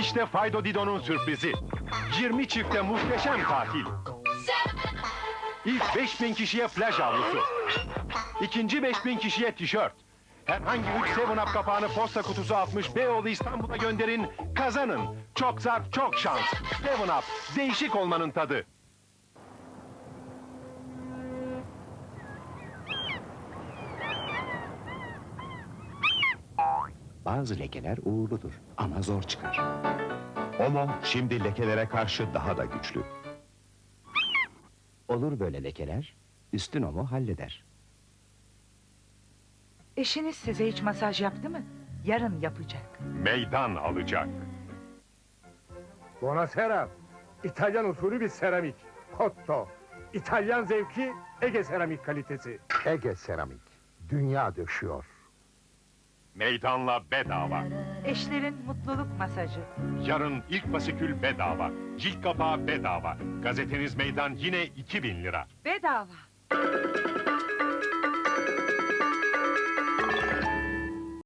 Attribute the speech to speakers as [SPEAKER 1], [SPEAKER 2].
[SPEAKER 1] İşte Fido Dido'nun sürprizi. 20 çifte muhteşem tatil. İlk 5000 kişiye plaj havlusu. İkinci 5000 kişiye tişört. Herhangi 3 7-Up kapağını posta kutusu atmış Beyoğlu İstanbul'a gönderin, kazanın. Çok zarf, çok şans. 7-Up, değişik olmanın tadı.
[SPEAKER 2] Bazı lekeler uğurludur ama zor çıkar.
[SPEAKER 3] Omo şimdi lekelere karşı daha da güçlü.
[SPEAKER 2] Olur böyle lekeler, üstün omo halleder.
[SPEAKER 4] Eşiniz size hiç masaj yaptı mı? Yarın yapacak.
[SPEAKER 1] Meydan alacak.
[SPEAKER 5] Buonasera. İtalyan usulü bir seramik. Cotto. İtalyan zevki, Ege seramik kalitesi.
[SPEAKER 6] Ege Seramik. Dünya döşüyor.
[SPEAKER 1] Meydanla bedava.
[SPEAKER 4] Eşlerin mutluluk masajı.
[SPEAKER 1] Yarın ilk fasikül bedava. Cilt kapağı bedava. Gazeteniz meydan yine 2000 lira.
[SPEAKER 4] Bedava.